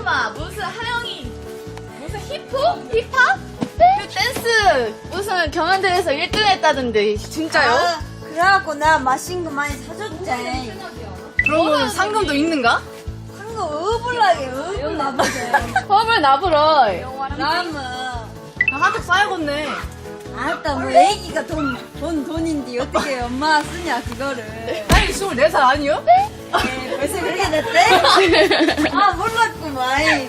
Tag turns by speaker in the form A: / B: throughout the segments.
A: 잠깐만, 무슨 하영이 무슨 힙합? 그 댄스 무슨 경연대회에서 1등 했다던데 진짜요?
B: 아, 그래갖고 내가 맛있는 거 많이 사줬지.
A: 그러면 상금도 있는가?
B: 상금 어불나게 어불 나보게.
A: 펌을 나불어.
B: 남은.
A: 나 한턱 쌓여겠네.
B: 알았다, 뭐 애기가 돈인데 어떻게 엄마가 쓰냐 그거를.
A: 아니 24살 아니요?
B: 에, 벌써 그렇게 됐대? 아 몰랐구만.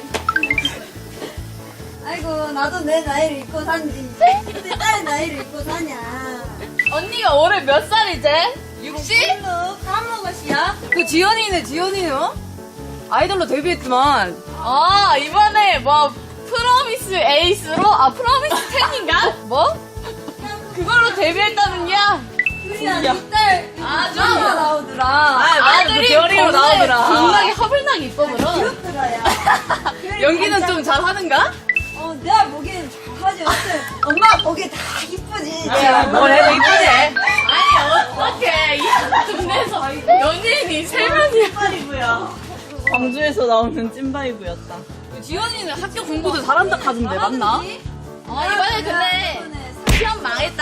B: 아이고 나도 내 나이를 잊고 산지. 내 딸 나이를 잊고 사냐.
A: 언니가 올해 몇 살이제? 60?
B: 까먹었이야?
C: 그 지연이는 아이돌로 데뷔했지만
A: 아 이번에 뭐 프로미스 에이스로 프로미스 10인가? 뭐? 그걸로 데뷔했다는겨?
B: 그래야 니딸
A: 아주
B: 나오더라.
A: 아들이
C: 별이로 나오더라.
A: 겁나게 허블나게 이뻐보러.
B: 귀엽더라 야.
C: 연기는 좀 잘하는가?
B: 내가 보기엔 잘하지. 어때? 엄마가 보기엔 다 이쁘지.
C: 뭘 해도 이쁘지?
A: 아니 어떡해 이 동네에서 연예인이 3명이야.
C: 광주에서 나오는 찐바이브였다. 지연이는 학교 공부도 잘한다 하던데 맞나?
A: 이번에 근데 시험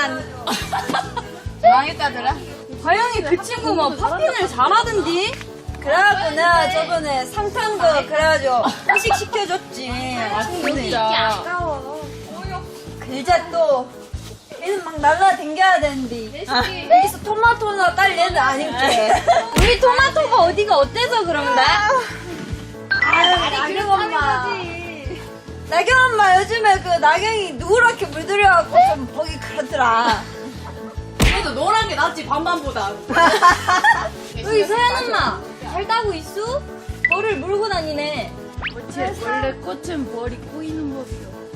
A: 망했다더라.
C: 다영이 그 친구 뭐 팝핀을 잘하던디?
B: 그래갖고 내가 저번에 상탄 거 그래가지고 회식 시켜줬지.
C: 진짜.
B: 아까워. 글자 또 얘는 막 날라댕겨야 되는데 여기서 토마토나 딸 얘는 아닐게.
A: 우리 토마토가 어디가 어때서 그런데?
B: 나경 엄마. 나경 엄마 요즘에 그 나경이 누렇게 물들여갖고 좀 보기 그렇더라.
C: 그래도 노란 게 낫지 반반보다.
D: 여기 서연 엄마 잘 따고 있어? 벌을 물고 다니네.
A: 원래 꽃은 벌이 꼬이는 법이요.